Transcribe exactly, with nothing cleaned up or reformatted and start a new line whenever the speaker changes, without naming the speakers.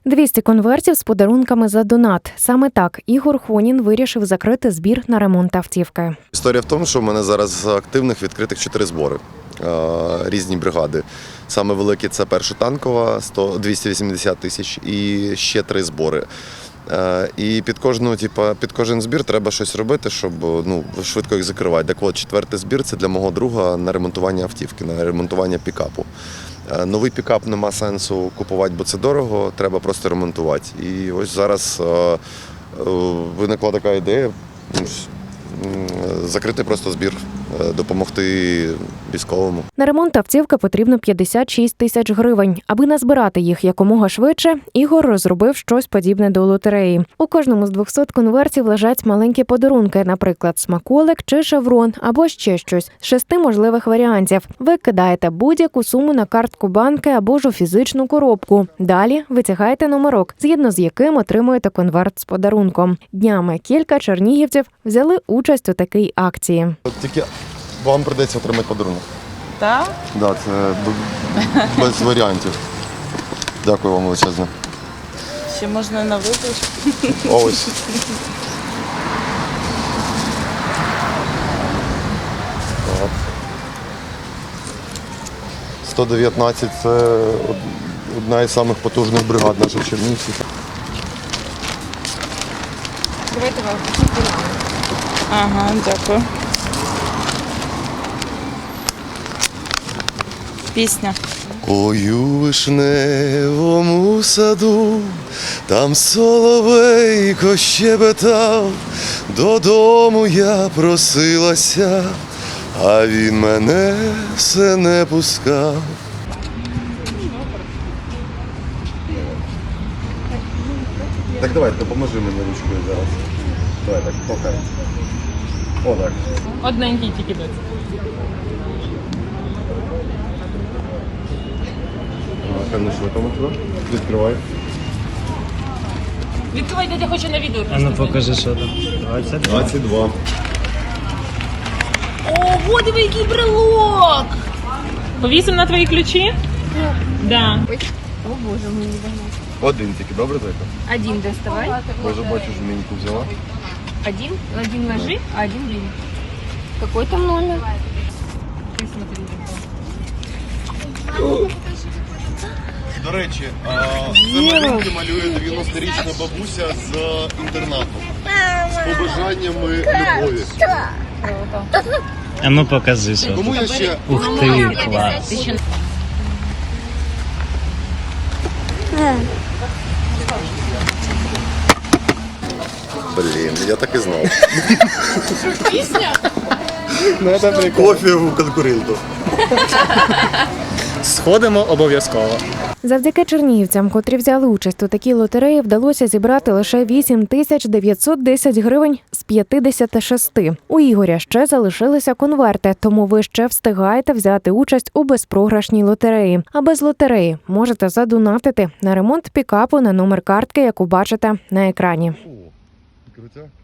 двісті конвертів з подарунками за донат. Саме так Ігор Хонін вирішив закрити збір на ремонт автівки.
Історія в тому, що в мене зараз активних відкритих чотири збори, різні бригади. Саме великі – це перша танкова, двісті вісімдесят тисяч, і ще три збори. І під кожну, типу, під кожен збір треба щось робити, щоб ну, швидко їх закривати. Так от, четвертий збір – це для мого друга на ремонтування автівки, на ремонтування пікапу. Новий пікап нема сенсу купувати, бо це дорого, треба просто ремонтувати. І ось зараз е, виникла така ідея закрити просто збір, допомогти військовому.
На ремонт автівки потрібно п'ятдесят шість тисяч гривень. Аби назбирати їх якомога швидше, Ігор розробив щось подібне до лотереї. У кожному з двохсот конвертів лежать маленькі подарунки, наприклад, смаколик чи шеврон, або ще щось з шести можливих варіантів. Ви кидаєте будь-яку суму на картку банки або ж у фізичну коробку. Далі витягаєте номерок, згідно з яким отримуєте конверт з подарунком. Днями кілька чернігівців взяли участь у такій акції.
Тільки вам прийдеться отримати подарунок.
Так?
Так, це без варіантів. Дякую вам величезно.
Ще можна на вибір.
Ось. Так. сто дев'ятнадцять – це одна із самих потужних бригад наших чернігівців.
Давайте вам. Ага, дякую. Пісня.
Ой, у вишневому саду, там соловейко щебетав, додому я просилася, а він мене все не пускав. Так давай, допоможи мені ручкою зараз. Давай так, толкай. О, так.
Одненький тільки дать.
Певно, що там туди. Відкривай.
Відкривай, дядя хоче на відео.
А ну покажи, що там. двадцять два.
двадцять два.
Ого, диви, який брелок! Повісимо на твої ключі? Так. Да.
О боже, мені не догнать.
Один тільки, добре, зайка?
Один доставай.
Я вже бачу, жменьку взяла.
Один, один ложи, а один бери. Какой там номер? Ты смотри.
До речі, це малюнки малює дев'яносторічна бабуся з інтернату. З побажаннями любові.
А ну покажи, що
Кому
тут.
я ще...
Ух ти, клас.
Блін, я так і знав.
Пісня?
Кофе у конкуренту.
Сходимо обов'язково.
Завдяки чернігівцям, котрі взяли участь у такій лотереї, вдалося зібрати лише вісім тисяч дев'ятсот десять гривень з п'ятдесят шість. У Ігоря ще залишилися конверти, тому ви ще встигаєте взяти участь у безпрограшній лотереї. А без лотереї можете задонатити на ремонт пікапу на номер картки, яку бачите на екрані.
Крутя.